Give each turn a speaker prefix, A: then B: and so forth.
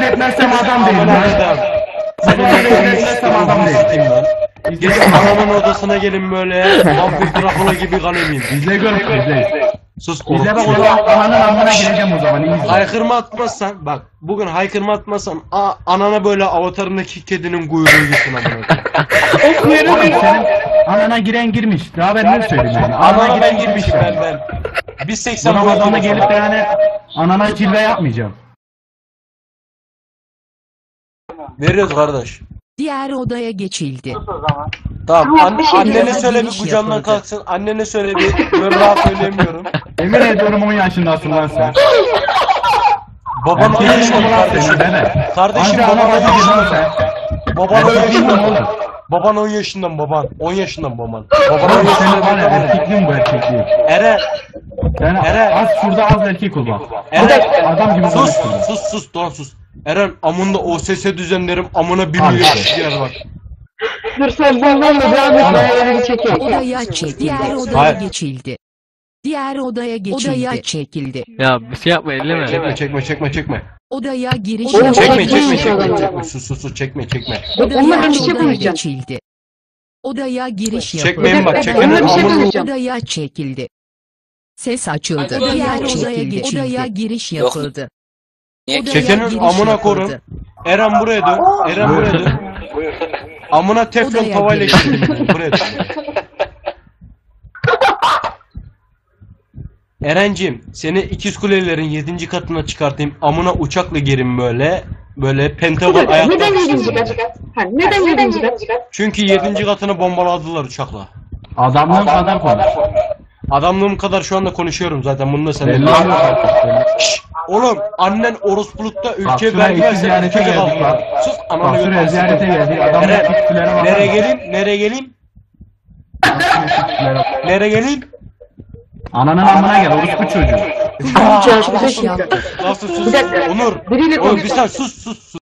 A: rezil etmezsem adam değilim lan. Babanı rezil etmezsem adam değilim lan.
B: Gelin anamın odasına gelin böyle. Vampir Dracula gibi kan emeyim.
A: İzle gör, izle.
B: Sus
A: İzle bak o zaman ananın amına gireceğim o zaman. İyi izle.
B: Haykırma atmazsan bak bugün haykırma atmazsan anana böyle avatarındaki kedinin kuyruğu gitsin amına.
A: Oğlum senin anana giren girmiş. Daha ben ne söyleyeyim yani.
B: Anana ben girmişim ben. Biz 80
A: Buna
B: boyutunda
A: gelip de yani anana cilve yapmayacağım.
B: veriyoruz kardeş.
C: Diğer odaya geçildi.
B: Tamam annene
C: diyeceğim.
B: söyle bir
C: Giriş
B: kucağımdan
C: yapıldı.
B: kalksın. Annene söyle bir ben rahat söyleyemiyorum.
A: Emin ediyorum 10 yaşındasın lan sen.
B: Baban 10
A: Erkek
B: yaşında
A: mi lan senin
B: kardeşim.
A: deme.
B: Kardeşim
A: Anca
B: baban
A: ana
B: 10
A: bacı
B: yaşında.
A: lan sen.
B: Baban 10
A: Erkekliğin mi
B: yaşında.
A: oldu?
B: Baban 10 yaşından baban. 10 yaşından baban. Baban 10
A: Oğlum senin
B: yaşında
A: var ya
B: baban.
A: erkekliğin bu erkekliğin.
B: Eren.
A: Sen
B: Eren.
A: az şurada az erkek ol bak.
B: Eren.
A: Adam gibi
B: Sus
A: konuşuyorsun.
B: sus Doğan sus. Eren amında OSS düzenlerim amına 1
A: Abi.
B: milyon kişi yer bak.
D: Dur sen bundan da devam et. Ben elini çekeyim.
C: Odaya çekildi. Diğer odaya
B: Hayır.
C: geçildi. Diğer odaya geçildi. Odaya çekildi.
E: Ya bir şey yapma elleme.
B: Çekme.
C: Odaya giriş
D: Oğlum,
C: yapıldı.
B: Çekme. Sus çekme.
D: Onunla
C: Odaya
D: ben bir şey konuşacağım.
C: geçildi. Odaya giriş yapıldı.
B: Çekmeyin bak
D: Onunla
B: çekenin
D: bir şey
B: amını.
D: konuşacağım.
C: Odaya çekildi. Ses açıldı. Diğer odaya geçildi. Odaya giriş yapıldı. Odaya
B: Çekenin
C: giriş
B: amına
C: yapıldı.
B: korun. Eren buraya dön. Eren buraya dön. Amına teflon
C: Odaya
B: tavayla
C: giriş.
B: girdim buraya dön. Erencim seni ikiz kulelerin 7. katına çıkartayım. Amına uçakla girin böyle. Böyle pentagon ayakta.
D: Neden 7. kat? Neden 7. kat?
B: Çünkü 7. katını bombaladılar uçakla.
A: Adamlığın kadar konuş.
B: Adamlığım kadar şu anda konuşuyorum zaten bunu da sen
A: Belli
B: de.
A: oluyor.
B: Oğlum annen orospulukta
A: Bak
B: ülke
A: şuraya
B: vergi
A: iki
B: verse
A: ziyarete
B: ülkede
A: geldik
B: kaldılar.
A: bak.
B: Sus
A: Bak
B: ananı
A: şuraya
B: götürsün.
A: ziyarete geldik. Adamın
B: Eren,
A: tepkilere bak.
B: nereye geleyim? Nereye geleyim?
A: Ananın amına gel orospu çocuğu.
D: Çalışma
C: Giriş
D: sesini.
C: yaptı.
B: Nasıl sus?
D: Bir dakika.
B: Onur.
D: Biriyle
B: Oğlum bir
D: konuş.
B: saniye sus.